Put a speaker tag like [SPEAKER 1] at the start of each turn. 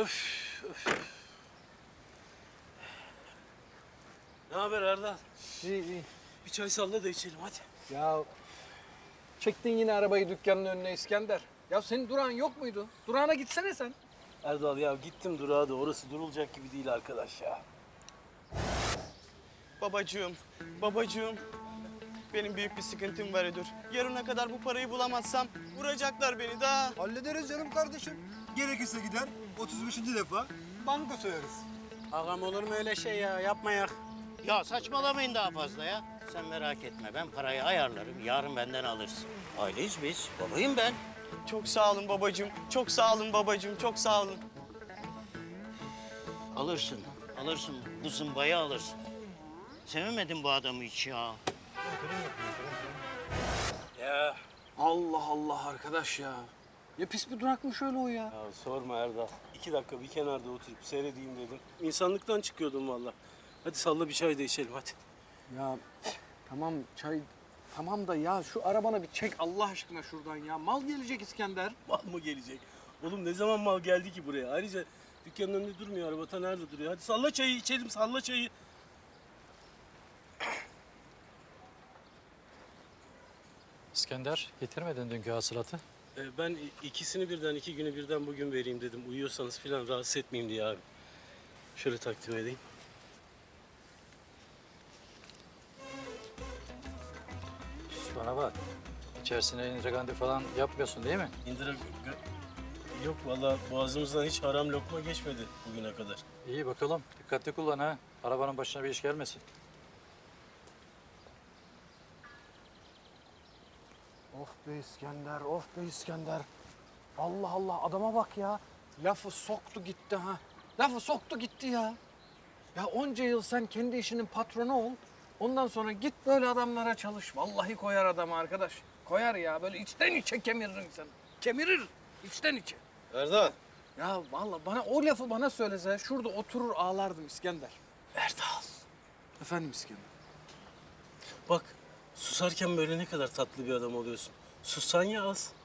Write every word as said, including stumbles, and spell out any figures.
[SPEAKER 1] Öf, öf. Ne haber Erdal?
[SPEAKER 2] İyi iyi.
[SPEAKER 1] Bir çay salla da içelim hadi.
[SPEAKER 2] Ya çektin yine arabayı dükkanın önüne İskender. Ya senin durağın yok muydu? Durağına gitsene sen.
[SPEAKER 1] Erdal ya gittim durağa da orası durulacak gibi değil arkadaş ya.
[SPEAKER 3] Babacığım, babacığım. Benim büyük bir sıkıntım var Edur. Yarına kadar bu parayı bulamazsam vuracaklar beni daha.
[SPEAKER 4] Hallederiz canım kardeşim. Gerekirse gider otuz beşinci defa banka soyarız.
[SPEAKER 5] Ağam olur mu öyle şey ya? Yapmayak.
[SPEAKER 6] Ya saçmalamayın daha fazla ya. Sen merak etme, ben parayı ayarlarım. Yarın benden alırsın. Aileyiz biz, babayım ben.
[SPEAKER 3] Çok sağ olun babacığım, çok sağ olun babacığım, çok sağ olun.
[SPEAKER 6] Alırsın, alırsın. Bu zımbayı alırsın. Sevemedim bu adamı hiç ya.
[SPEAKER 1] Ya.
[SPEAKER 2] Allah Allah arkadaş ya. Ne pis bir durakmış öyle o ya.
[SPEAKER 1] Ya sorma Erdal. İki dakika bir kenarda oturup seyredeyim dedim. İnsanlıktan çıkıyordum vallahi. Hadi salla bir çay da içelim hadi.
[SPEAKER 2] Ya tamam çay tamam da ya şu arabana bir çek Allah aşkına şuradan ya. Mal gelecek İskender.
[SPEAKER 1] Mal mı gelecek? Oğlum ne zaman mal geldi ki buraya? Ayrıca dükkanın önünde durmuyor, arabata nerede duruyor? Hadi salla çayı içelim, salla çayı.
[SPEAKER 7] İskender, getirmedin dünkü hasılatı.
[SPEAKER 1] Ee, ben ikisini birden, iki günü birden bugün vereyim dedim. Uyuyorsanız falan rahatsız etmeyeyim diye abi. Şöyle takdim edeyim.
[SPEAKER 7] Sus bana bak. İçerisine intrigandi falan yapmıyorsun değil mi?
[SPEAKER 1] İndira... gö- Yok vallahi boğazımızdan hiç haram lokma geçmedi bugüne kadar.
[SPEAKER 7] İyi bakalım. Dikkatli kullan ha. Arabanın başına bir iş gelmesin.
[SPEAKER 2] Of be İskender, of be İskender. Allah Allah adama bak ya. Lafı soktu gitti ha. Lafı soktu gitti ya. Ya onca yıl sen kendi işinin patronu ol. Ondan sonra git böyle adamlara çalış. Vallahi koyar adam arkadaş. Koyar ya böyle içten içe kemirir insanı. Kemirir içten içe.
[SPEAKER 1] Erdal.
[SPEAKER 2] Ya vallahi bana o lafı bana söylese şurada oturur ağlardım İskender.
[SPEAKER 1] Erdal.
[SPEAKER 2] Efendim İskender.
[SPEAKER 1] Bak susarken böyle ne kadar tatlı bir adam oluyorsun. Sussan ya az.